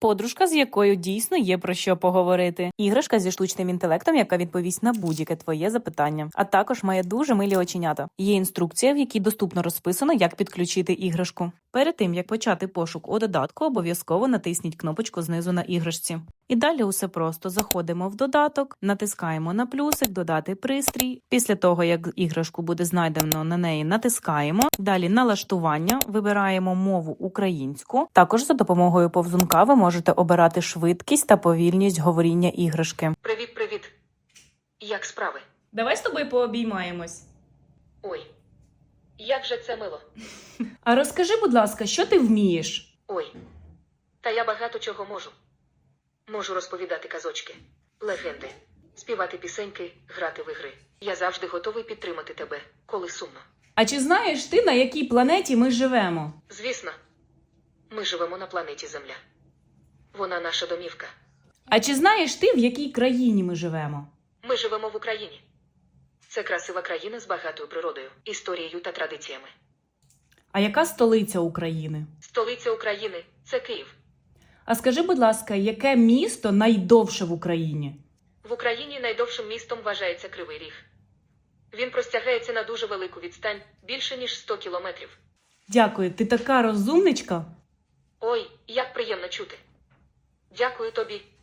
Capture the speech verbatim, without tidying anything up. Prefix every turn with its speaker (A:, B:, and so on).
A: Подружка, з якою дійсно є про що поговорити. Іграшка зі штучним інтелектом, яка відповість на будь-яке твоє запитання. А також має дуже милі оченята. Є інструкція, в якій доступно розписано, як підключити іграшку. Перед тим, як почати пошук у додатку, обов'язково натисніть кнопочку знизу на іграшці. І далі усе просто. Заходимо в додаток, натискаємо на плюсик, додати пристрій. Після того, як іграшку буде знайдено, на неї натискаємо. Далі налаштування, вибираємо мову українську. Також за допомогою повзунка ви можете обирати швидкість та повільність говоріння іграшки.
B: Привіт-привіт. Як справи?
A: Давай з тобою пообіймаємось.
B: Ой, як же це мило.
A: А розкажи, будь ласка, що ти вмієш?
B: Ой, та я багато чого можу. Можу розповідати казочки, легенди, співати пісеньки, грати в ігри. Я завжди готовий підтримати тебе, коли сумно.
A: А чи знаєш ти, на якій планеті ми живемо?
B: Звісно, ми живемо на планеті Земля. Вона наша домівка.
A: А чи знаєш ти, в якій країні ми живемо?
B: Ми живемо в Україні. Це красива країна з багатою природою, історією та традиціями.
A: А яка столиця України?
B: Столиця України – це Київ.
A: А скажи, будь ласка, яке місто найдовше в Україні?
B: В Україні найдовшим містом вважається Кривий Ріг. Він простягається на дуже велику відстань, більше ніж сто кілометрів.
A: Дякую, ти така розумничка.
B: Ой, як приємно чути. Дякую тобі.